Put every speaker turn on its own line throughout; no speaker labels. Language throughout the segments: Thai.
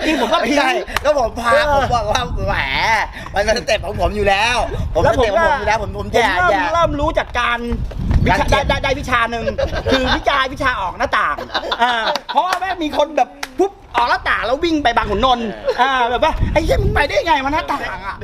ริงๆผมก็
ไม่ใช่ก็ผมพาผมบอกว่าแหมมันเป็นสเต็ปของผมอยู่แล้วผมสเต็ปของผมอยู่แล้วผมแย่
เริ่มรู้จากการได้วิชาหนึ่งคือวิชาออกหน้าต่างเพราะว่าแม่มีคนแบบปุ๊บออกหน้าต่างแล้ววิ่งไปบางขุนนนท์แบบว่าไอ้เหี้ยมึงไปได้ไงมันหน้าต่างอ่ะ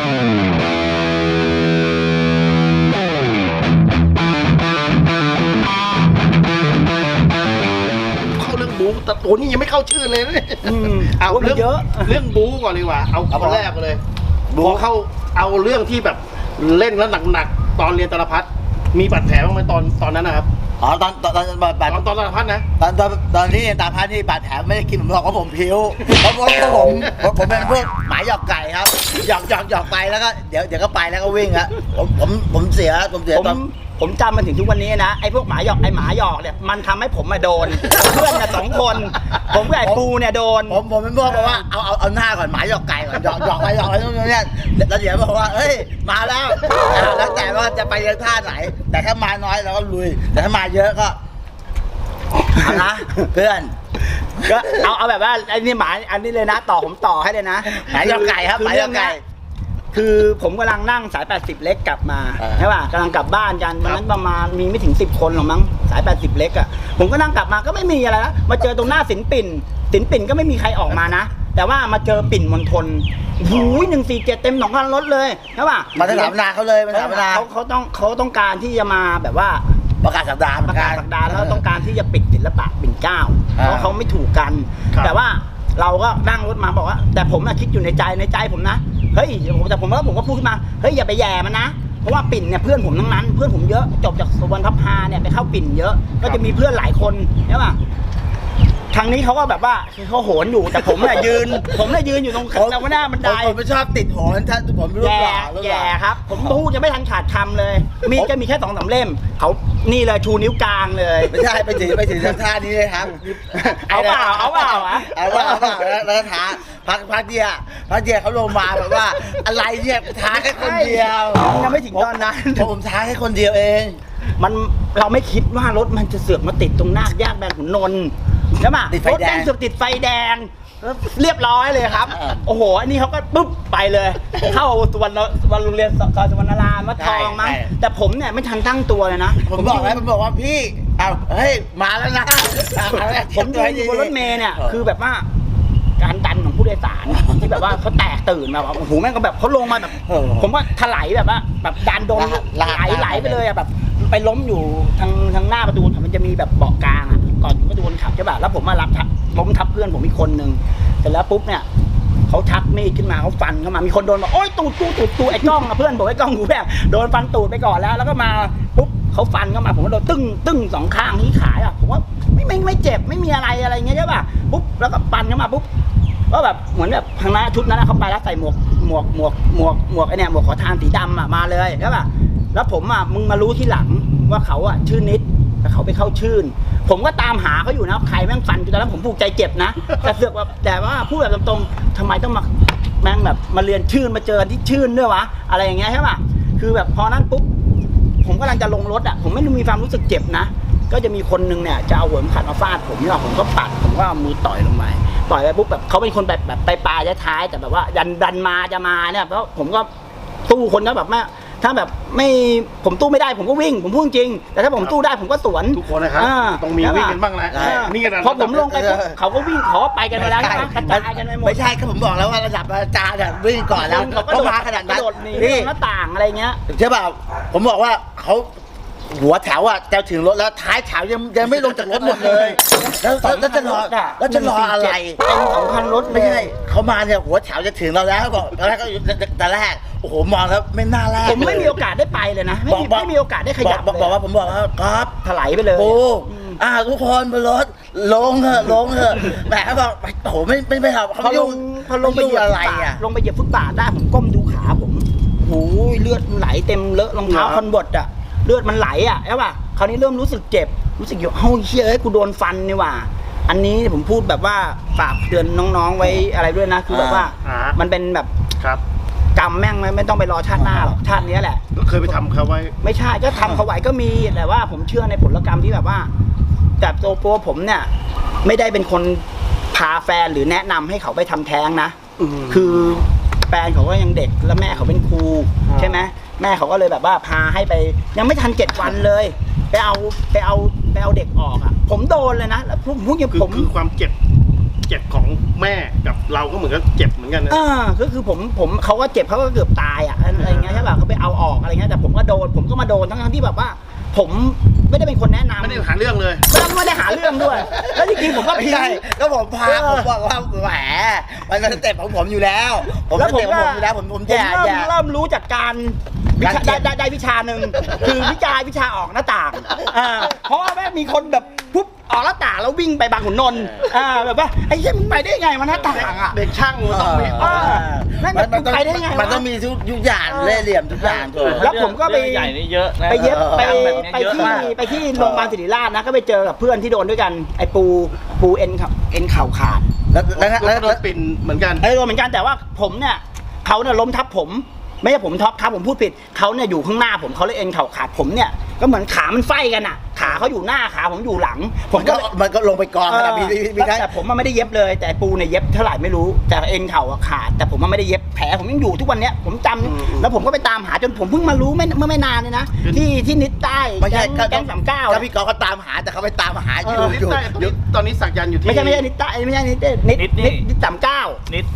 เข้าเรื่องบู๊แต่ตัวนี้ยังไม่เข้าชื่อเลยนะเอาเรื่องบู๊ก่อนดีกว่าเอาคนแรกเลยพอเข้าเอาเรื่องที่แบบเล่นแล้วหนักๆตอนเรียนตาลพัฒน์มีบาดแผลบ้างไหมตอนนั้นนะครับ
อ๋อตอนตาลพัฒน์นะตอนที่ตาพัฒน์ที่บาดแผลไม่ได้กินผมบอกว่าผมผิวเพราะผมเป็นพวกหมาหยอกไก่ครับหยอกไปแล้วก็เดี๋ยวก็ไปแล้วก็วิ่งครับผมเสีย
ผมจำมันถึงทุกวันนี้นะไอ้พวกหมาหยอกเนี่ยมันทำให้ผมมาโดนเพื่อนน่ะ2 คนผมกับไอ้ปูเนี่ยโดน
ผมเป็นพวกบอกว่าเอาหน้าก่อนหมาหยอกไก่ก่อนหยอกไปนู่นนี่แล้วเดี๋ยวบอกว่าเฮ้ยมาแล้วแล้วแต่ว่าจะไปยังท่าไหนแต่ถ้ามาน้อยเราก็ลุยแต่ถ้ามาเยอะก็เอานะเพื่อน
ก็เอาแบบว่าไอ้นี่หมาอันนี้เลยนะผมต่อให้เลยนะ
หมาหยอกไก่ครับหมาหยอกไก่
คือผมกำลังนั่งสาย80เล็กกลับมาใช่ป่ะกำลังกลับบ้านกันวันนั้นประมาณมีไม่ถึง10 คนหรอกมั้งสาย80เล็กอ่ะผมก็นั่งกลับมาก็ไม่มีอะไรนะมาเจอตรงหน้าสินปิ่นก็ไม่มีใครออกมานะแต่ว่ามาเจอปิ่นมณฑลหูย147เต็ม2 คันรถเลยใช่ป่ะ
มาถามนาเขาเลยมาถามนา
เขาต้องการที่จะมาแบบว่า
ประกาศสัปดาห์
แล้วต้องการที่จะปิดศิลปะปิ่นเกล้าเพราะเขาไม่ถูกกันแต่ว่าเราก็นั่งรถมาบอกว่าแต่ผมคิดอยู่ในใจผมนะเฮ้ยแต่ผมก็พูดขึ้นมาเฮ้ยอย่าไปแย่มันนะเพราะว่าปิ่นเนี่ยเพื่อนผมทั้งนั้นเพื่อนผมเยอะจบจากสุวรรณพัฒนาเนี่ยไปเข้าปิ่นเยอะก็จะมีเพื่อนหลายคนใช่ป่ะทางนี้เขาก็แบบว่าเขาโหนอยู่แต่ผมเนี่ยยืนอยู่ตรงหน้าบันได
ผมไม่ชอบติดโหนถ้าผมรูปหล่อ
แย่ครับผมพูดจะไม่ทันขาดคำเลยมีก็มีแค่2-3 เล่มเขานี่เลยชูนิ้วกลางเลย
ไม่ใช่ไปถึงท่านี้เลยครับ
เอาเปล่า
แล้วท้าพักเดียเขาลงมาแบบว่าอะไรเนี่ยท้าแค่คนเดียว
ยังไม่ถึงตอนนั้น
ผมท้าแค่คนเดียวเอง
เราไม่คิดว่ารถมันจะเสือกมาติดตรงหน้าแยกแบนขุนนนท์ใช่ไหมรถแดงเสือกติดไฟแดงเรียบร้อยเลยครับโอ้โหอันนี้เขาก็ปุ๊บไปเลยเข้าสุวรรณโรงเรียนซอยสุวรรณรามวัดทองมั้งแต่ผมเนี่ยไม่ทันตั้งตัวเลยนะ
ผมบอกว่าพี่เฮ้ยมาแล้วนะ
ผมอยู่บนรถเมล์เนี่ยคือแบบว่าการดันของผู้โดยสารที่แบบว่าเขาแตกตื่นมาโอ้โหแม่งก็แบบเขาลงมาแบบผมว่าถลายแบบว่าแบบดันโดนไหลไปเลยอะแบบไปล้มอยู่ทางหน้าประตูมันจะมีแบบเบาะกลางอะก่อนถึงประตูคนขับใช่ป่ะแล้วผมมาล้มทับเพื่อนผมอีกคนนึงเสร็จแล้วปุ๊บเนี่ยเขาชักมีดขึ้นมาเขาฟันเข้ามามีคนโดนบอกโอ๊ยตูดไอ้กล้องอะเพื่อนบอกไอ้กล้องกูแบบโดนฟันตูดไปก่อนแล้วก็มาปุ๊บเขาฟันเข้ามาผมก็โดนตึ้ง2 ข้างที่ขาอะผมว่าไม่เจ็บไม่มีอะไรเงี้ยใช่ป่ะปุ๊บแล้วก็ฟันเข้ามาปุ๊บก็แบบเหมือนแบบทางนั้นชุดนั้นเขาไปแล้วใส่หมวกไอเนี่ยหมวกขอทานสีดำมาเลยใช่ป่ะแล้วผมมึงมารู้ที่หลังว่าเขาชื่อนิดแต่เขาไปเข้าชื่นผมก็ตามหาเขาอยู่นะใครแม่งฟันจนตอนนั้นผมผูกใจเจ็บนะแต่ว่าพูดแบบตรงๆทำไมต้องมาแม่งแบบมาเรียนชื่นมาเจอที่ชื่นด้วยวะอะไรอย่างเงี้ยใช่ป่ะคือแบบพอนั้นปุ๊บผมกำลังจะลงรถผมไม่มีความรู้สึกเจ็บนะก็จะมีคนนึงเนี่ยจะเอาหัวขัดมาฟาดผมนี่หรอผมก็ปัดผมก็เอามือต่อยลงไปปุ๊บแบบเขาเป็นคนแบบไปปลายท้ายแต่แบบว่าดันมาจะมาเนี่ยเพราะผมก็ตู้คนก็แบบถ้าแบบไม่ผมตู้ไม่ได้ผมก็วิ่งผมพูดจริงแต่ถ้าผมตู้ได้ผมก็สวน
ทุกคนนะครับต้องมีวิ่งกันบ้างนะนี่กัน
พอผมลงไปเขาก็วิ่งขอไปกันไปแล้วกระจายกันไปหมด
ไม่ใช่ก็ผมบอกแล้วว่าระดับอาจารย์วิ่งก่อนแล้วเขามาขนาดนั้น
นี่หน้าต่างอะไรเงี้ย
ใช่ป่ะผมบอกว่าเขาหัวแถวจะถึงรถแล้วท้ายแถวยังไม่ลงจากรถหมดเลยแล้วจะรออะไร
เป็น2 คันรถ
ไม่ใช่เขามาเนี่ยหัวแถวจะถึงเราแล้วก็ตอนแรกโอ้โหมองแล้วไม่น่าแรก
ผมไม่มีโอกาสได้ไปเลยนะไม่มีโอกาสได้ขยับ
บอกว่าผมบอกว่าครับ
ถลายไปเลย
โอ้ทุกคนบนรถลงเถอะแหมเขาบอกโอ้โหไม่ทำเขา
พอลงไปเหยียบอะไรลงไปเหยียบฟุตบาทได้ผมก้มดูขาผมโอ้ยเลือดไหลเต็มเลอะรองเท้าคอนบดเลือดมันไหลใช่ป่ะคราวนี้เริ่มรู้สึกเจ็บรู้สึกอยู่เฮ้ยเฮ้ยกูโดนฟันนี่ว่าอันนี้ผมพูดแบบว่าฝากเตือนน้องๆไว้อะไรด้วยนะคือแบบว่ามันเป็นแบบกรรมแม่งไม่ต้องไปรอชาติหน้าหรอกชาตินี้แหละ
เคยไปทำเขาไว้
ไม่ใช่ก็ทำเขาไว้ก็มีแต่ว่าผมเชื่อในผลกรรมที่แบบว่าแต่ตัวผมเนี่ยไม่ได้เป็นคนพาแฟนหรือแนะนำให้เขาไปทำแท้งนะคือแฟนเขาก็ยังเด็กแล้วแม่เขาเป็นครูใช่ไหมแม่เขาก็เลยแบบว่าพาให้ไปยังไม่ทัน7 วันเลยไปเอาเด็กออกอ่ะผมโดนเลยนะแล้วพวกอย่างผม
คือความเจ็บของแม่กับเราก็เหมือนกับเจ็บเหมือนกันนะ
ก็คือผมเขาก็เจ็บเขาก็เกือบตายอ่ะอะไรเงี้ยใช่ป่ะเขาไปเอาออกอะไรเงี้ยแต่ผมก็มาโดนทั้งที่แบบว่าผมไม่ได้เป็นคนแนะนำ
ไม่ได้หาเรื่องเลย
ไม่ได้หาเรื่องด้วยแล้วจริงๆผมก็พิง
ก็ผมพาผมบอกว่าแหมมันเป็นสเต็ปของผมอยู่แล้วผมสเต็ปของผมอยู่แล้วผมเ
ริ่มรู้จากการได้วิชาหนึ่งคือวิชาออกหน้าต่างเพราะว่าแม่มีคนแบบปุ๊บออกหน้าต่างแล้ววิ่งไปบางขุนนนท์แบบว่าไอ้เหี้ยมึงไปได้ไงมันหน้าต่างอ่ะ
เด็กช่างมันต้องมี
มันไปได้ไงมันต้องมีทุกอย่างเล่ห์เหลี่ยมทุกอย่าง
แล้วผมก็ไป
ใหญ่นี่เยอะนะ
ไปเย็บไปที่โรงพยาบาลศิริราชนะก็ไปเจอกับเพื่อนที่โดนด้วยกันไอ้ปูเอ็นเข่าขาด
แล้วโดนปิ่นเหมือนกัน
โดนเหมือนกันแต่ว่าผมเนี่ยเขาเนี่ยล้มทับผมไม่ใช่ผมท็อปครับผมพูดผิดเขาเนี่ยอยู่ข้างหน้าผมเขาเลยเอ็นเข่าขาดผมเนี่ยก็เหมือนขามันไฟกันอ่ะขาเขาอยู่หน้าขาผมอยู่หลังผมก็
มันก็ลงไปกอง
แต่ผมมันไม่ได้เย็บเลยแต่ปูเนี่ยเย็บเท่าไหร่ไม่รู้แต่เอ็นเข่าขาดแต่ผมมันไม่ได้เย็บแผลผมยังอยู่ทุกวันเนี้ยผมจำแล้วผมก็ไปตามหาจนผมเพิ่งมารู้เมื่อไม่นานเลยนะที่นิดใต้แก๊ง39
ก็พี่กอเขาตามหาแต่เขาไปตามหาอยู่
ตอนนี้สักยันอยู่ที่
ไม่ใช่นิดใต้ไม่ใช่นิด39
นิด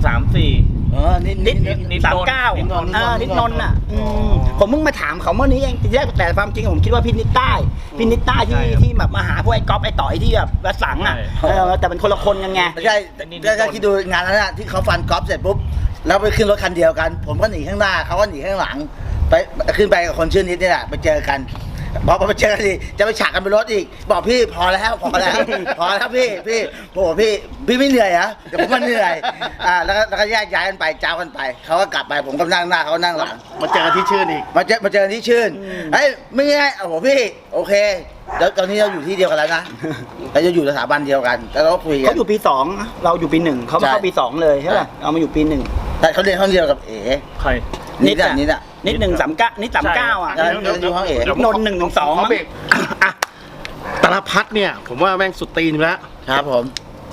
134
นิด39นิดนนท์อ่ะผมเพิ่งมาถามเขาเมื่อนี้เองทีแรกแต่ความจริงผมคิดว่าพี่นิดใต้ที่แบบมาหาพวกไอ้ก๊อฟไอ้ต่อยที่แบบระสังอ่ะแต่เป็นคนละคนกันไง
ไม่ใช่ถ้าคิดดูงานนั้นอ่ะที่เขาฟันก๊อฟเสร็จปุ๊บแล้วไปขึ้นรถคันเดียวกันผมก็หนีข้างหน้าเขาก็หนีข้างหลังไปขึ้นไปกับคนชื่อนิดนี่แหละไปเจอกันพอไปเจอกันดิจะไปฉากกันบนรถอีกบอกพี่พอแล้วพี่โอ้พี่ไม่เหนื่อยเหรอเดี๋ยวผมมันเหนื่อยแล้วก็แยกย้ายกันไปเจ้ากันไปเขาก็กลับไปผมก็นั่งหน้าเขานั่งหลัง
มาเจอกันที่ชื่นอีก
มาเจอกันที่ชื่นเฮ้ยไม่ง่ายโอ้โหพี่โอเคเดี๋ยวตอนนี้เราอยู่ที่เดียวกันแล้วนะเราจะอยู่สถาบันเดียวกันแล้วเราคุยกัน
เขาอยู่ปี2เราอยู่ปี1เขาเข้าปี2เลยใช่ป่ะเอามาอยู่ปี1
แต่เขาเรียนห้องเดียวกับเอ๋
ใคร
นิด139นิด39อ่ะนน112มั้ง
ตลพัดเนี่ยผมว่าแม่งสุดตีนแล้ว
ครับผม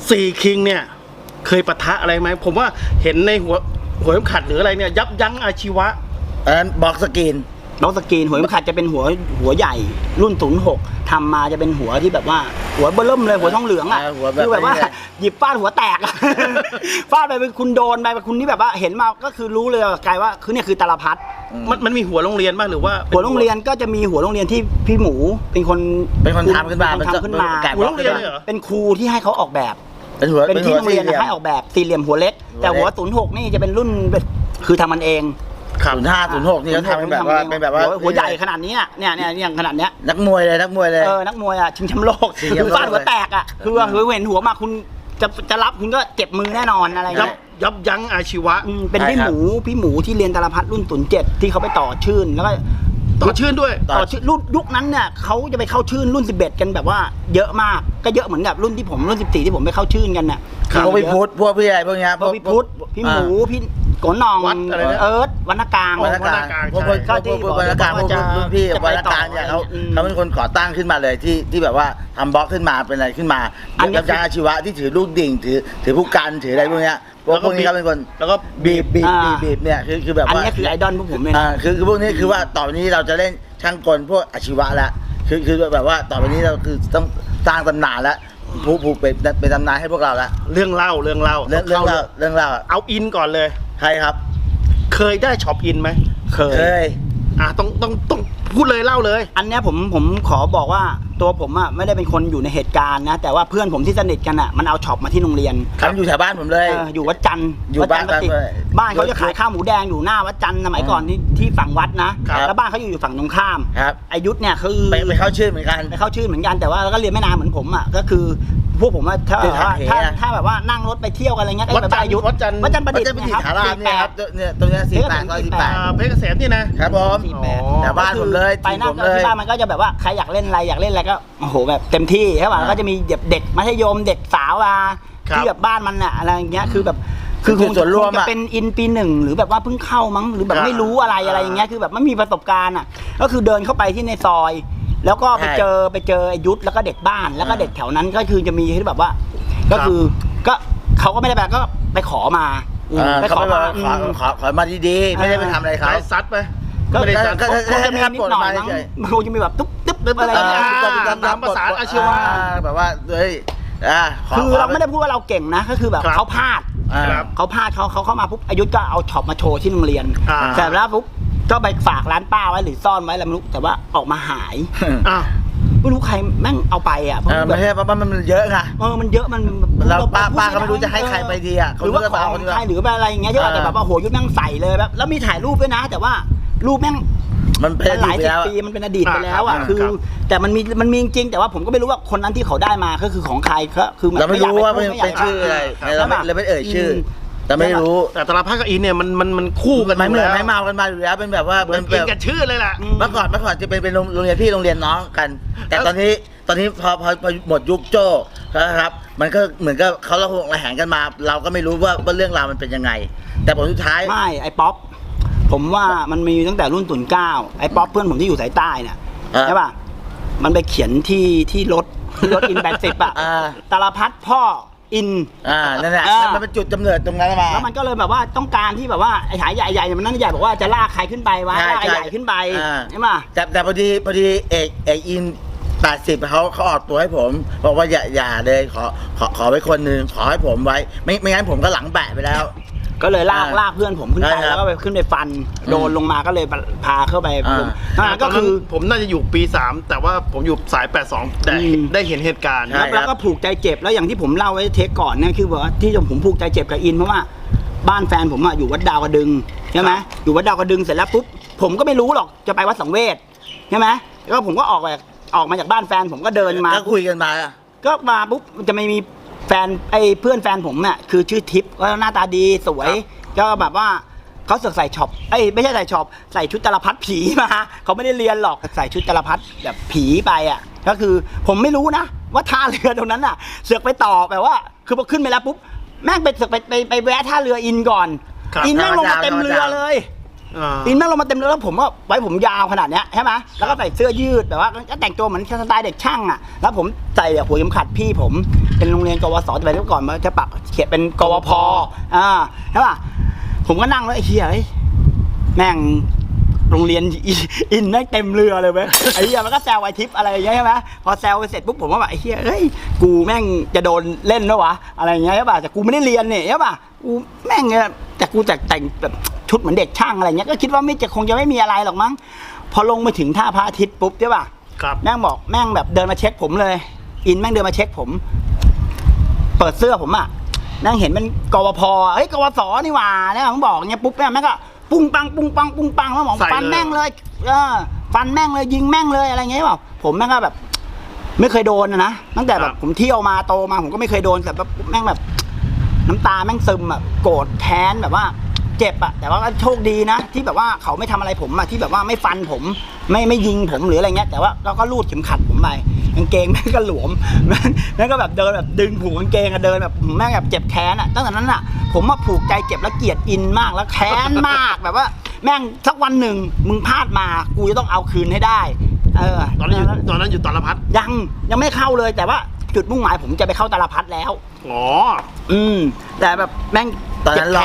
4คิงเนี่ยเคยปะทะอะไรไหมผมว่าเห็นในหัวเข็มขัดหรืออะไรเนี่ยยับยั้งอาชีวะ
บ็อกสกรีน
หัวเข็มขัดจะเป็นหัวใหญ่รุ่น06ทำมาจะเป็นหัวที่แบบว่าหัวเบิ่มเลยหัวทองเหลืองอ่ะคือแบบว่าหยิบฟาดหัวแตกฟาดไปเป็นคุณโดนไปเป็นคุณที่แบบว่าเห็นมาก็คือรู้เลยกลายว่าคือเนี่ยคือตาลพัด
มันมีหัวโรงเรียนบ้างหรือว่า
หัวโรงเรียนก็จะมีหัวโรงเรียนที่พี่หมูเป็นคน
ทำขึ้นมา
หัวโรงเรียนเลยเหรอ
เป็นครูที่ให้เขาออกแบบ
เป็น
ที่โรงเรียนให้ออกแบบสี่เหลี่ยมหัวเล็กแต่หัว06นี่จะเป็นรุ่นคือทำมันเอง
05 06นี่เขาทำเป็นแบบว่า
หัวใหญ่ขนาดนี้เนี่ยขนาดเนี้ย
นักมวยเลยนักมวย
อ่ะชิงแชมป์โลกคือฟาดหัวแตกอ่ะคือเห็นหัวมาคุณจะรับคุณก็เจ็บมือแน่นอนอะไรเงี้ย
ยับยั้งอาชีวะ
เป็นพี่หมูที่เรียนตาลพัดรุ่น07ที่เขาไปต่อชื่นแล้วก็
ต่อชื่นด้วย
ต่อชื่นรุ่นยุคนั้นเนี่ยเขาจะไปเข้าชื่นรุ่น11กันแบบว่าเยอะมากก็เยอะเหมือนกับรุ่นที่ผมรุ่น14ที่ผมไปเข้าชื่นกันน่ะ
พวกพี่พุทธพวกพี่อะไรพวกเนี้ย
พวกพี่พุทธพี่หมูพี่โกนองเอิร์ธวรรณกลาง
พวกที่วรรณกลางพวกพี่วรรณกลางเนี่ยเขาเป็นคนก่อตั้งขึ้นมาเลยที่แบบว่าทำบล็อกขึ้นมาเป็นอะไรขึ้นมายับยั้งอาชีวะที่ถือลูกดิ่งถือผู้กันถืออะไรพวกเนี้ยพวกนี้เขาเป็นคน
แล้วก็
บีบเนี่ยคือแบบว่า
อันนี้คือไอดอลพวกผมเลย
คือพวกนี้คือว่าต่อไปนี้เราจะเล่นช่างกลพวกอาชีวะแล้วคือแบบว่าต่อไปนี้เราคือต้องสร้างตำนานแล้วผู้เป็นตำนานให้พวกเราแล้ว
เรื่องเล่าเอาอินก่อนเลย
ใครครับ
เคยได้ช็อปอินไหม
เคย
ต้องพูดเลยเล่าเลย
อันนี้ผมขอบอกว่าตัวผมอ่ะไม่ได้เป็นคนอยู่ในเหตุการณ์นะแต่ว่าเพื่อนผมที่สนิทกันอ่ะมันเอาช็อปมาที่โรงเรียน
ครับอยู่แถวบ้านผมเลย
อยู่วัดจันทร์
อยู่บ้าน
เขาจะขายข้าวหมูแดงอยู่หน้าวัดจันทร์สมัยก่อนที่ฝั่งวัดนะแล้วบ้านเขาอยู่ฝั่งตรงข้ามอายุเนี่ยคือ
ไปเข้าชื่อเหมือนกัน
แต่ว่าก็เรียนไม่นานเหมือนผมอ่ะก็คือพวกผมว่าถ้าแบบว่านั่งรถไปเที่ยวกันอะไรเงี้ยก็แบบอายุ
วัดจันทร์
ประดิษฐ์
นะครับเนี่ยตรงนี้
48เพชรเกษมนี่นะครับ
ผมแต่บ้านผมเลย
ไปนั่งที่บ้านมันก็จะแบบว่าใครอยากเล่นอะไรก็โอ้โหแบบเต็มที่ใช่ป่ะก็จะมีเด็กมัธยมเด็กสาวที่แบบบ้านมันอะอะไรอย่างเงี้ยคือแบบคือคงจะเป็นอินปี1หรือแบบว่าเพิ่งเข้ามั้งหรือแบบไม่รู้อะไรอย่างเงี้ยคือแบบไม่มีประสบการณ์อะก็คือเดินเข้าไปที่ในซอยแล้วก็ไปเจอยุทธแล้วก็เด็กบ้านแล้วก็เด็กแถวนั้นก็คือจะมีที่แบบว่าก็คือก็เขาก็ไม่ได้ไปก็ไปขอมาไป
เขา
ขอ
ไม่
มา
ขอมาดีๆไม่ได้ไปทำอะไรเขา
ได้ซัดไหม
ก็
ไม่ได้ซัด
ก็
คงจะมีนิดหน่อยมั้งมันคงจะมีแบบตุ๊บตุ๊บอะไรอย่างเงี้ย
ตามภาษาอาชีวะ
แบบว่าเฮ้ย
คือเราไม่ได้พูดว่าเราเก่งนะก็คือแบบ
ครับ
เขาพลาด
ครับ
เขาพลาดเขาเข้ามาปุ๊บอายุก็เอาช็อปมาโชว์ที่โรงเรียน เสร็จแล้วปุ๊บก็ไปฝากร้านป้าไว้หรือซ่อนไว้อะไรไม่รู้แต่ว่าออกมาหาย
อ้าว
ไม่รู้ใครแม่งเอาไปอ่ะเพราะ
ไม่ใช่เพราะมันเยอะไง
มันเยอะมัน
เราป้าก็ไม่รู้จะให้ใครไปดีอ่ะ
หรือว่าของใครหรืออะไรอย่างเงี้ยที่อาจจะแบบว่าโหยุดแม่งใส่เลยแบบแล้วมีถ่ายรูปด้วยนะ แต่ว่ารูปแม่ง
มันเป็น
หลายสิบปีมันเป็นอดีตไปแล้วอ่ะคือ แต่มันมีจริงแต่ว่าผมก็ไม่รู้ว่าคนนั้นที่เขาได้มาก็คือของใครก็คือ
เราไม่รู้ว่าเป็นชื่ออะไรเราไม่เอ่ยชื่อ แต่ไม่รู้
แต่ตลาดพักกับอินเนี่ยมันคู่กัน
ไม่เหมือน
แล้ว
ไม่เมากันมาอยู่แล้วเป็นแบบว่า
เหมือนกินกันชื่อเลยล่ะ
เมื่อก่อนจะเป็นโรงเรียนพี่โรงเรียนน้องกัน แต่ตอนนี้พอหมดยุคโจ้นะครับมันก็เหมือนกับเขาระแหงกันมา เราก็ไม่รู้ว่าเรื่องราวมันเป็นยังไง แต่ผลสุดท้าย
ไม่ไอ้ป๊อปผมว่ามันมีตั้งแต่รุ่นตุ่นเก้าไอ้ป๊อปเพื่อนผมที่อยู่สายใต้เนี่ยใช่ป่ะมันไปเขียนที่รถอิน80อ่ะตาลพัดพ่ออิน
นั่นแหละมันเป็นจุดกำเนิดตรงนั้นมา
แล้วมันก็เลยแบบว่าต้องการที่แบบว่าไอ้ฉายใหญ่ๆมันนั่นใหญ่บอกว่าจะลากใครขึ้นไปวะลากไอ้ใหญ่ขึ้นไปใช่ป่ะ
แต่พอดีเอกอิน80เขาออกตัวให้ผมบอกว่าอย่าเลยขอไว้คนนึงขอให้ผมไว้ไม่งั้นผมก็หลังแบะไปแล้ว
ก็เลยลากเพื่อนผมขึ้นไปแล้วก็ไปขึ้นไปฟันโดนลงมาก็เลยพาเข้าไป
ก็คือผมน่าจะอยู่ปี3แต่ว่าผมอยู่สาย82แต่ได้เห็นเหตุการณ์
แล้วก็ผูกใจเจ็บแล้วอย่างที่ผมเล่าไว้เทคก่อนเนี่ยคือว่าที่ผมผูกใจเจ็บกับอินเพราะว่าบ้านแฟนผมอยู่วัดดาวกระดึงใช่ไหมอยู่วัดดาวกระดึงเสร็จแล้วปุ๊บผมก็ไม่รู้หรอกจะไปวัดสังเวชใช่ไหมแล้วผมก็ออกมาจากบ้านแฟนผมก็เดินมา
ก็คุยกันมา
ก็มาปุ๊บจะไม่มีแฟนเพื่อนแฟนผมเนี่ยคือชื่อทิพย์ก็หน้าตาดีสวยก็แบบว่าเขาใส่ช็อปไม่ใช่ใส่ช็อปใส่ชุดจารพัดผีมาเขาไม่ได้เรียนหรอกใส่ชุดจารพัดแบบผีไปอ่ะก็คือผมไม่รู้นะว่าท่าเรือตรงนั้นอ่ะเสือกไปต่อแบบว่าคือพอขึ้นไปแล้วปุ๊บแม่งไปเสือกไปแวะท่าเรืออินก่อนอินแม่งลงมาเต็มเรือเลยอินแม่งลงมาเต็มเรือแล้วผมว่าไว้ผมยาวขนาดเนี้ยใช่ไหมแล้วก็ใส่เสื้อยืดแบบว่าก็แต่งตัวเหมือนสไตล์เด็กช่างอ่ะแล้วผมใส่หัวเข็มขัดพี่ผมเป็นโรงเรียนกวสแต่ไปเมื่อก่อนมันจะปักเขียนเป็นกวพใช่ป่ะผมก็นั่งแล้วไอ้เหี้ยแม่งโรงเรียนอินแม่งเต็มเรือเลยเว้ยไอ้เหี้ยมันก็แซวไอ้ทิปอะไรอย่างเงี้ยใช่ไหมพอแซวไปเสร็จปุ๊บผมว่าแบบไอ้เหี้ยกูแม่งจะโดนเล่นแล้ววะอะไรอย่างเงี้ยใช่ป่ะแต่กูไม่ได้เรียนเนี่ยใช่ป่ะกูแม่งเนี่ยแต่กูแต่งแบบชุดเหมือนเด็กช่างอะไรเงี้ยก็คิดว่าคงจะไม่มีอะไรหรอกมั้งพอลงมาถึงท่าพระอาทิตย์ปุ๊บใช่ป่ะแม่งบอกแม่งแบบเดินมาเช็คผมเลยอินแม่งเดินมาเช็คผมเปิดเสื้อผมนั่งเห็นเป็นกวพกวสนี่หว่าแล้วผมบอกเงี้ยปุ๊บแม่งก็ปุ้งปังแล้วหมองฟันแม่งเลยฟันแม่งเลยยิงแม่งเลยอะไรเงี้ยแบบผมแม่งก็แบบไม่เคยโดนนะตั้งแต่แบบผมเที่ยวมาโตมาผมก็ไม่เคยโดนแต่แบบแม่งแบบน้ำตาแม่งซึมโกรธแค้นแบบว่าเจ็บแต่ว่าโชคดีนะที่แบบว่าเขาไม่ทำอะไรผมที่แบบว่าไม่ฟันผมไม่ยิงผมหรืออะไรเงี้ยแต่ว่าเราก็ลูดเข็มขัดผมไปกางเกงแม่งก็หลวมแม่งก็แบบเดินแบบดึงผูกกางเกงเดินแบบแม่งแบบเจ็บแค้นตั้งแต่นั้นผมมาผูกใจเจ็บแล้วเกลียดอินมากแล้วแค้นมากแบบว่าแม่งสักวันหนึ่งมึงพลาดมากูจะต้องเอาคืนให้ได้
ตอนนั้นอยู่ตาลพัด
ยังไม่เข้าเลยแต่ว่าจุดมุ่งหมายผมจะไปเข้าตาลพัดแล้วแต่แบบแม่ง
ตอนนั้นรอ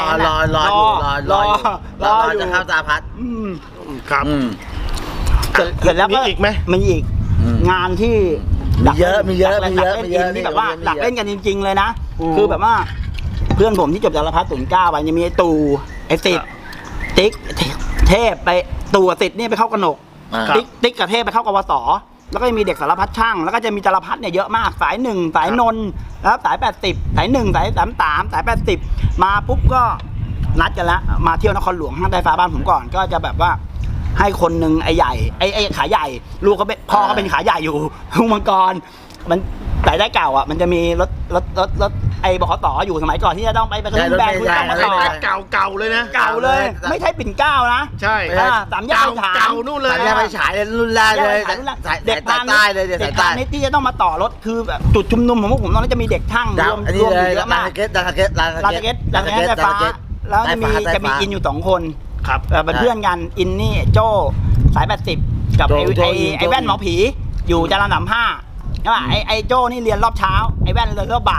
จะเข้าตาพัด
ครับ
เสร็จแล้วก็
อีกไหม
มีอีกงานที่
มีเยอะ
ที่แบบว่าหลักเล่นกันจริงๆเลยนะคือแบบว่าเพื่อนผมที่จบจากละพัฒน์09ไปยังมีไอ้ตู่ไอ้สิทธิ์ติ๊กเทพไปตู่สิทธิ์นี่ไปเข้ากนกติ๊กกับเทพไปเข้ากวสแล้วก็มีเด็กสารพัดช่างแล้วก็จะมีจารพัดเนี่ยเยอะมากสาย1สายนนท์แล้วสาย80สาย1สาย33สาย80มาปุ๊บก็นัดกันแล้วมาเที่ยวนครหลวงห้างใต้ฟ้าบ้านผมก่อนก็จะแบบว่าให้คนหนึ่งไอ้ใหญ่ไอ้ขาใหญ่ลูกเขาเป็นพ่อเขาเป็นขาใหญ่อยู่ทุ่งมังกรมันสายได้เก่ามันจะมีรถไอ้บขสอยู่สมัยก่อนที่จะต้องไปขึ้นแบนคุณต้องมาต่อ
เก่าเลยนะ
เก่าเลยไม่ใช่ปิ่นเก้านะ
ใช่
3 ย่าน
เก่านู่นเลย
3 ย่านไปฉายรุ่นแรกเลย
เด็กใต้เลยเด็กใต้นี่ที่จะต้องมาต่อรถคือแบบจุดชุมนุมของพวกผมตอนนั้นจะมีเด็กช่างรวมอยู่เยอะมาก
ลานเกต
ไฟฟ้าแล้วจะมีอินอยู่2 คน
ครับ
เป็นเพื่อนกันอินนี่โจ้สาย80กับไอ้แว่นหมอผีอยู่จรัญ35ใช่ป่ะไอ้โจ้นี่เรียนรอบเช้าไอ้แว่นเรียนรอบบ่าย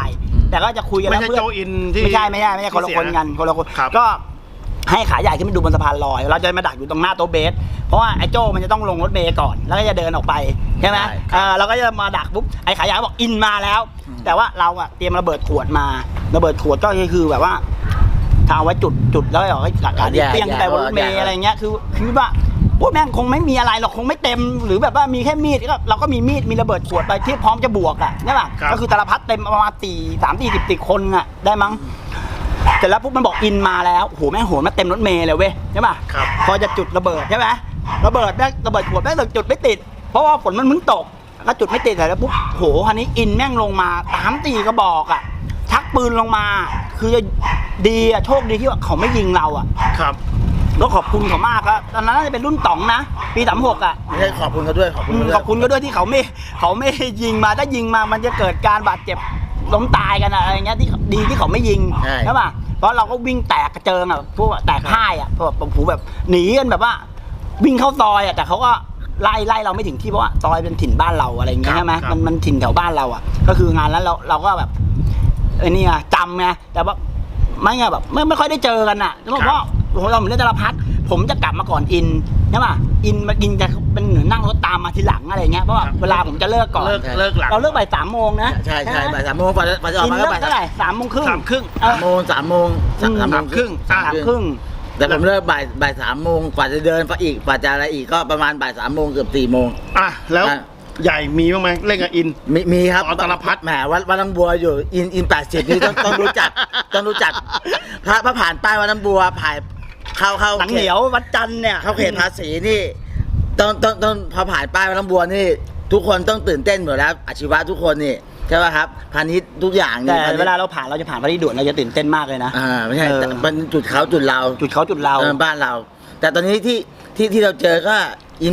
แต่ก็จะคุยกัน
ไม่
แล้ว
ใช่โจอินที่
ไม่ใช่คนละคนกันคนละคน
ครับ
ก็ให้ขาใหญ่ขึ้นไปดูบนสะพานลอยเราจะมาดักอยู่ตรงหน้าโต๊ะเบสเพราะว่าไอ้โจ้มันจะต้องลงรถเมย์ก่อนแล้วก็จะเดินออกไปใช่ไหมเราก็จะมาดักปุ๊บไอ้ขาใหญ่บอกอินมาแล้ว แต่ว่าเราอะเตรียมระเบิดขวดมาระเบิดขวดก็คือแบบว่าทาไว้จุดแล้วก็การเปี้ยงแต่บนรถเมย์อะไรเงี้ยคือว่าพวกแม่งคงไม่มีอะไรหรอกคงไม่เต็มหรือแบบว่ามีแค่มีดก็เราก็มีมีดมีระเบิดขวดไปที่พร้อมจะบวกอะใช่ป่ะก็คือตาลพัดเต็มประมาณ30-40คนอะได้มั้งเสร็จแล้วปุ๊บมันบอกอินมาแล้วโหแม่งโหมาเต็มรถเมล์เลยเว้ยใช่ป่ะพอจะจุดระเบิดใช่ไหมระเบิดขวดแม่งจุดไม่ติดเพราะว่าฝนมันมึงตกแล้วจุดไม่ติดแล้วปุ๊บโหคันนี้อินแม่งลงมา3-4กระบอกอ่ะชักปืนลงมาคือจะดีอ่ะโชคดีที่ว่าเขาไม่ยิงเราอ่ะ
ครับ
ก็ขอบคุณเขามากครับตอนนั้นน่าจะเป็นรุ่น2นะปี36อ่ะ
ไม่ใช่ขอบคุณเขาด้วยขอบคุณเขาด้วย
ขอบคุณก็ด้วยที่เขาไม่ยิงมาถ้ายิงมามันจะเกิดการบาดเจ็บล้มตายกันอะไรเงี้ยที่ดีที่เขาไม่ยิงใช่ป่ะเพราะเราก็วิ่งแตกกระเจิงอ่ะพวกแตกพ่ายอ่ะพวกผูแบบหนีกันแบบว่าวิ่งเข้าซอยอ่ะแต่เขาก็ไล่เราไม่ถึงที่เพราะว่าซอยเป็นถิ่นบ้านเราอะไรเงี้ยใช่ไหมมันถิ่นแถวบ้านเราอ่ะก็คืองานนั้นเราก็แบบไอ้นี่ไงจำไงแต่ว่าไม่ไงแบบไม่ค่อยได้เจอกันอ่ะเพราะว่าเราเหมือนเล่นตาลพัดผมจะกลับมาก่อนอินใช่ป่ะอินจะเป็นเหมือนนั่งรถตามมาทีหลังอะไรเงี้ยเพราะว่าเวลาผมจะเลิกก่อน
เลิกหลัง
เราเลิกบ่าย3 โมงนะ
ใช่บ่าย3 โมงกว่าจะออก
อิน
มา
เลิ
ก็
ก
บ่าย
เท่าไหร่3 โมงครึ่ง
3 ครึ่ง
3 โมง 3 โมง
3 ครึ่ง
3 ครึ่ง
แต่ผมเลิกบ่าย 3 โมงกว่าจะเดินไปอีกกว่าจะอะไรอีกก็ประมาณบ่าย 3 โมงเกือบ 4 โมง
อ่ะแล้วใหญ่มีบ้างไหมเล่นกับอิน
มีครับ
ตาลพัด
แหมวัดน้ำบัวอยู่อิน80นี่ต้องรู้จักพระผ่านป้ายวัดน้ำบัวผ่านเข้า
หนังเหนียววัดจันทร์เนี่ย
เข้าเขตภาษีนี่ต้องพอผ่านป้ายวัดน้ำบัวนี่ทุกคนต้องตื่นเต้นหมดแล้วอาชีวะทุกคนนี่ใช่ป่ะครับพาณิชย์ทุกอย่างนี่
แต่เวลาเราผ่านเราจะผ่านพระที่ด่วนเราจะตื่นเต้นมากเลยนะ
ไม่ใช่
เออ
แต่มันจุดเขาจุดเรา
จุดเขาจุดเรา
บ้านเรา แต่ตอนนี้ที่เราเจอก็อิน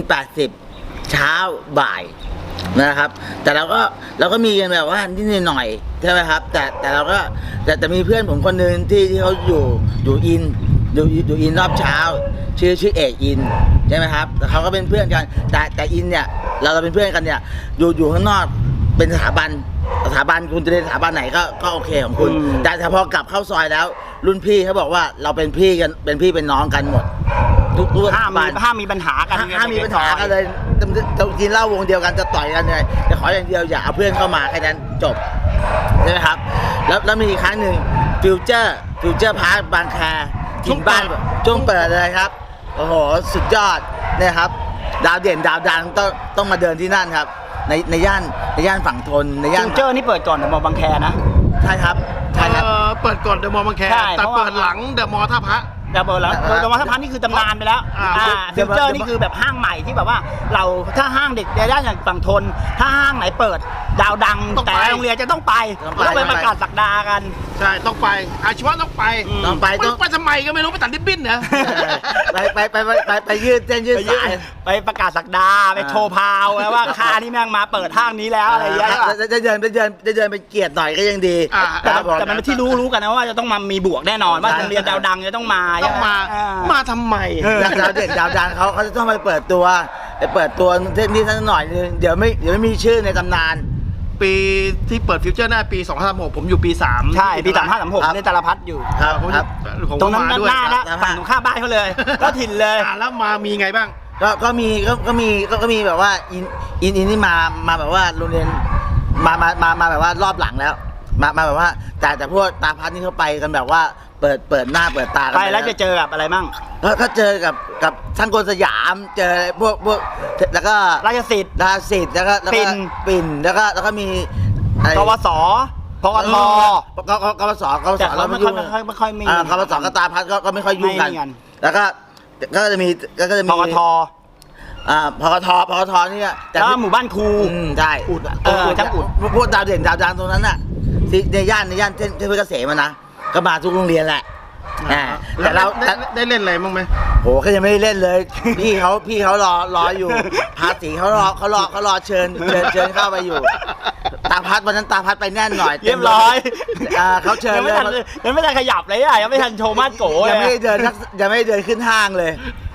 80เช้าบ่ายนะครับ แต่เราก็มีกันแบบว่านิดหน่อยใช่ไหมครับ แต่เราก็แต่มีเพื่อนผมคนหนึ่งที่เขาอยู่อินรอบเช้าชื่อเอกอินใช่ไหมครับแต่เขาก็เป็นเพื่อนกันแต่อินเนี่ยเราเป็นเพื่อนกันเนี่ยอยู่ข้างนอกเป็นสถาบันคุณจะเรียนสถาบันไหนก็โอเคของคุณ แต่พอกลับเข้าซอยแล้ว รุ่นพี่เขาบอกว่าเราเป็นพี่เป็นน้องกันหมดทุก
ห้ามมีปัญหากัน
ห้ามมีปัญหากันเลยจะกินเหล้าวงเดียวกันจะต่อยกันเลยจะขออย่างเดียวอย่าเอาเพื่อนเข้ามาแค่นั้นจบใช่ไหมครับแล้วมีอีกครั้งหนึ่งฟิวเจอร์พาร์คบางแคถิ่นบ้านช่วงเปิดเลยครับโอ้โหสุดยอดเนี่ยครับดาวเด่นดาวดังต้องมาเดินที่นั่นครับในย่านฝั่งทนในย่าน
ฟิวเจอร์นี่เปิดก่อนเดอะมอลล์บางแคนะ
ใช่ครับ
เปิดก่อนเดอะมอลล์บางแค
ใช่
แต่เปิดหลังเดอะมอลล์ท่าพระ
แต่เปิดแล้วเดอะมอลล์ท่าพระนี่คือตำนานไปแล้วฟิวเจอร์นี่คือแบบห้างใหม่ที่แบบว่าเราถ้าห้างเด็กในย่านอย่างฝั่งทนถ้าห้างไหนเปิดดาวดังแต่โรงเรียนจะต้องไปประกาศศักดากัน
ใช่ต้องไปอาชีวะต้องไป
ต้องไป
ไปทำไมก็ไม่รู้ไปตัดริบบิ้นนะ
ไปยืดเส้นยืดสาย
ไปประกาศศักดาไปโชว์พาวแล้วว่าค่านี่แม่งมาเปิดห้างนี้แล้วอะไรอย่างเงี้ย
จะเดินไปเกียรติหน่อยก็ยังดี
แต่มันที่รู้กันนะว่าจะต้องมามีบวกแน่นอนว่าโรงเรียนดาวดังจะต้องมา
ต้องมาทำไม
ดาวเด่นดาวดังเขาจะต้องไปเปิดตัวนี่สักหน่อยนึงเดี๋ยวไม่มีชื่อในตำนาน
ปีที่เปิดฟิวเจอร์หน้าปี2036ผมอยู่ปี3
ใช่ปี3536ในตาลพัดอยู่
ครับ
ตรงนั้นหน้านะฝั่งตรงข้ามบ้านเขาเลยก็ถิ่นเลย
แล้วมามีไงบ้าง
ก็มีแบบว่าอินนี่มาแบบว่าโรงเรียนมาแบบว่ารอบหลังแล้วมาแบบว่าแต่พวกตาพัดนี่เขาไปกันแบบว่าเปิดหน้าเปิดตากัน
ไปแล้วจะเจอกับอะไรมั่ง
ก็เจอกับช่างกลสยามเจอพวกแล้วก็
ราชสิทธิ์
แล้วก็ปิ่นแล้วก็มี
กวสพกท
กวส
แต่เขาไม่ค่อยมี
กวสกับตาพัดก็ไม่ค่อยยุ่งกัน
ไม่กัน
แล้วก็จะมี
พกท
พกทนี่แต่
แล้วหมู่บ้านครู
ใช่
ช่างอุด
พวกดาวเด่นดาวดังตรงนั้นน่ะในย่านเส้นเพชรเกษมนะก็มาทุกโรงเรียนแหละแต่เรา
ได้เล่นอะไรบ้างไหม
โหก็ยังไม่ได้เล่นเลย พี่เขารออยู่ภาษีเขารอเชิญเข้าไปอยู่ตาพัดวันนั้นตาพัดไปแน่นหน่อย
เรียบร้อย
เขาเชิญ
ยังไม่ทันขยับเลยอ่ะยังไม่ทันโชว์มาดโกเลย
ยังไม่ได้เดินขึ้นห้างเลย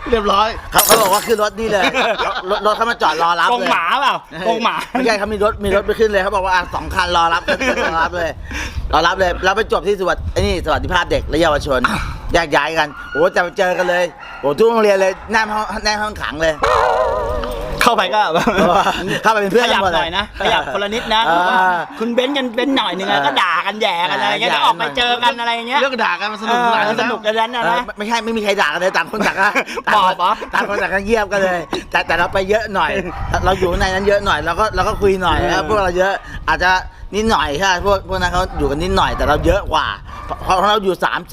เรียบร้อย
เขาบอกว่าขึ้นรถนี่เลยรถเขามาจอดรอรับ
กง
เลย
หมาเปล่ากงหมา
ไม่ใช่เขามีรถไปขึ้นเลยเขาบอกว่า2 คันรอรับรอรับเลยแล้วไปจบที่สวัสดิภาพเด็กและเยาวชนแยกย้ายกันโอ้จะไปเจอกันเลยโอ้ทุกโรงเรียนเลยแน่ห้องขังเลย
เข้าไปก็
เข้าไปเป็นเพื่อน
ขยับ
หมด
ห
เล
น่อยนะขยับคนละนิดนะ คุณเบนซ์กันเบนซ์หน่อยหนึงอะก็ด่ากันแย่กันอะไรเงี้ย
ด่า
ก็ออกไปเจอกันอะไรเงี้ย
เรื่องด่ากันมันสนุกสนานอยู่
ส
แล้ว
นุกกันนั้นนะนะ
ไม่มีใครด่ากันเลยต่างคนต่างก็
บอกเหรอ
ต่างคนต่างก็เงียบกันเลย แต่เราไปเยอะหน่อย เราอยู่ในนั้นเยอะหน่อยเราก็คุยหน่อยแล้วพวกเราเยอะอาจจะนิดหน่อยใช่พวกนั้นเขาอยู่กันนิดหน่อยแต่เราเยอะกว่าเพราะเราอยู่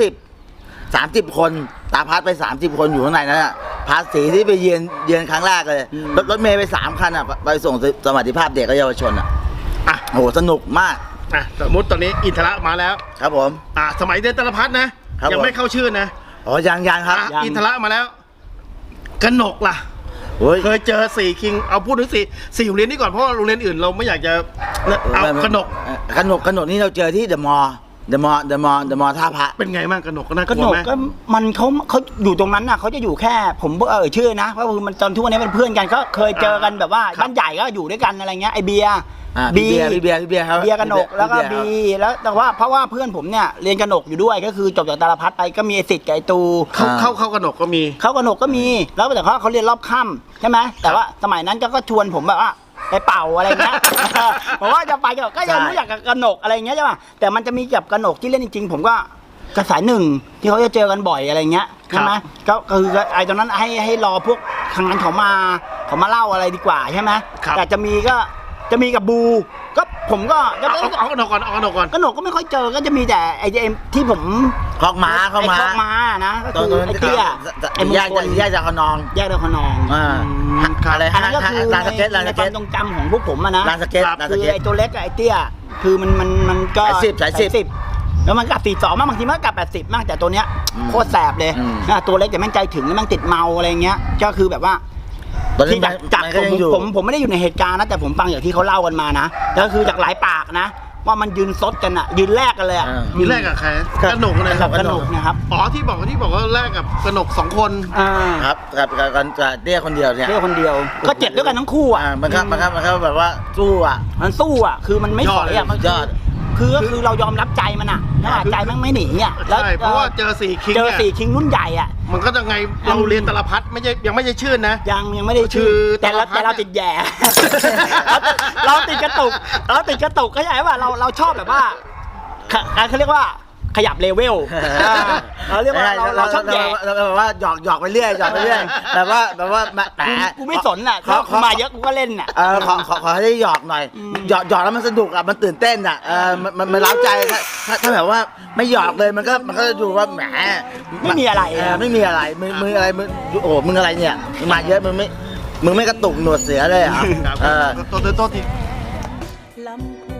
30 คนตาพัดไป30 คนอยู่ข้างในนั้นอ่ะภาษีที่ไปเยือนครั้งแรกเลยรถเมย์ไป3 คันอ่ะไปส่งสวัสดิภาพเด็กและเยาวชนอ่ะ
อ่ะ
โหสนุกมาก
อ่ะสมมติตอนนี้อินทระมาแล้ว
ครับผม
สมัยเรียนตลพัฒน์นะครับ ยังไม่เข้าชื่อนะ
อ๋อยังครับ
อ่ะอินทระมาแล้วกนกล่ะ
โอ้ย
เคยเจอ4 คิงเอาพูดถึง4โรงเรียนนี้ก่อนเพราะว่าโรงเรียนอื่นเราไม่อยากจะเอากนก
ขนกนี่เราเจอที่เดอะมอลล์ท่าพระ
เป็นไงบ้างกนกก็น่าก
ก็
ลั
หน
ว
ก
ไหม
ก็มันเขาอยู่ตรงนั้นน่ะเขาจะอยู่แค่ผมชื่อนะเพราะคือมันตอนทุกวันนี้เป็นเพื่อนกันก็เคยเจอกันแบบว่าบ้านใหญ่ก็อยู่ด้วยกันอะไรเงี้ยไอเบียร์
พี่เบียร์ครับ
เบียร์กนกแล้วก็บีแล้วแต่ว่าเพราะว่าเพื่อนผมเนี่ยเรียนกนกอยู่ด้วยก็คือจบจากตาลพัฒน์ไปก็มีไอสิทธิ์กับไอตู
เข้ากนกก็มี
เขากนกก็มีแล้วแต่เขาเรียนรอบค่ำใช่ไหมแต่ว่าสมัยนั้นก็ชวนผมแบบว่าไปเป่าอะไรเงี้ย ผมว่าจะไปก็ยังรู้จักกับกนกอะไรเงี้ยใช่ป่ะแต่มันจะมีกับกนกที่เล่นจริงๆผมก็กระสายหนึ่งที่เขาจะเจอกันบ่อยอะไรเงี้ยใช่ไหมก็คือไอ้ตอนนั้นให้รอพวกทางนั้นเขามาเล่าอะไรดีกว่าใช่ไหมแต่จะมีกับบูก็ผมก็
เอากนกก่อน
กนกก็ไม่ค่อยเจอก็จะมีแต่ไอ้ที่ผม
คอกม้า
ไอ้คอกม้านะก็คือไอ้เตี้ยไอ้มงคล
แยกจากขนอง
แยกดาวขนอง
อะไร
อันนั้นก็คือ
ลานสเก็ต
ในความทรงจำของพวกผมอะนะ
ลานสเก็ต
คือไอ้ตัวเล็กกับไอ้เตี้ยคือมันก็
สายสิบ
แล้วมันกลับ42บางทีมันก็กลับ80มากแต่ตัวเนี้ยโคตรแสบเลยตัวเล็กแต่แม่งใจถึงแล้วแม่งติดเมาอะไรเงี้ยก็คือแบบว่าที่จากผมไม่ได้อยู่ในเหตุการณ์นะแต่ผมฟังอย่างที่เขาเล่ากันมานะแล้วคือจากหลายปากนะว่ามันยืนซดกันอะยืนแลกกันเลยอะ
มีแรกกับใครกนกเลย
กนกนะครับ
อ๋อที่บอกว่าแรกกับกนก2 คน
ครับกับเตี้ยคนเดียวเนี่ย
เที่ยวคนเดียวก็เจ็บด้วยกันทั้งคู่อ่ะ
มันก็แบบว่าสู้อ่ะ
มันสู้อ่ะคือมันไม่ถอยอ่ะมัน
ยอด
คือเรายอมรับใจมันอ่ะถ้าใจมันไม่หนีอ่ะ
ใช่เพราะว่าเจอ4 คิง
คิงรุ่นใหญ่อ่ะ
มันก็จะไงเราเรียนตลพัฒน์ยังไม่ใช่ชื่อนะ
ยังไม่ได้ชื่อแต่เราติดแย่ เราติดกระตุกเข้าใจป่ะเราชอบแบบว่าเขาเรียกว่าขยับเลเวลเราเรียกว่าเราชอบแย่
เราแบบว่าหยอกไปเรื่อยแบบว่าแหม
กูไม่สนอ่ะเขามาเยอะกูก็เล่นอ่ะ
ขอให้ได้หยอกหน่อยหยอกแล้วมันสนุกอ่ะมันตื่นเต้นอ่ะมันเล้าใจถ้าแบบว่าไม่หยอกเลยมันก็จะดูว่าแหม
ไม่มีอะไร
ไม่มีอะไรมึงอะไรมึงโอ้มึงอะไรเนี่ยมึงมาเยอะมึงไม่กระตุกหนวดเสือเลยอ่ะ
ตัวที่
ลำพู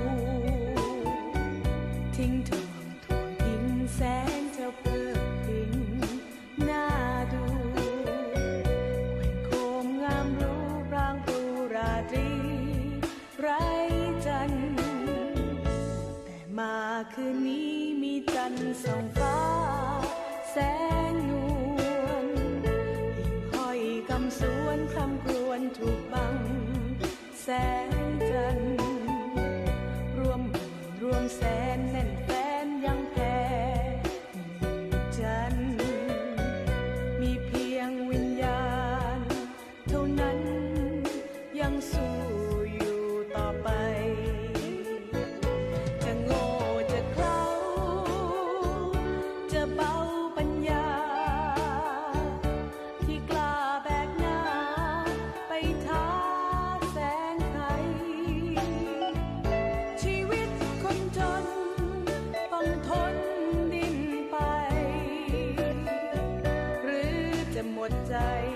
ทิ้งทวงทิ้งแสงเจ้าเพื่อพิงหน้าดูแขว่งโคมงามรู้พรางปรูราตรีไรจันทร์แต่มาคืนนี้มีจันทร์ส่องฟ้าแสงนวลหิ่งห้อยคำสวนคำกรวนถูกบังแสงจันทร์รวมแสนแน่นแฟนยังแพ้จันทร์มีเพียงวิญญาณเท่านั้นยังสู้อยู่ต่อไปจะโง่จะเขลาจะเบาปัญญาที่กล้าแบกหน้าไปท้าแสงไทยชีวิตคนจนต้องทนดิ้นไปหรือจะหมดใจ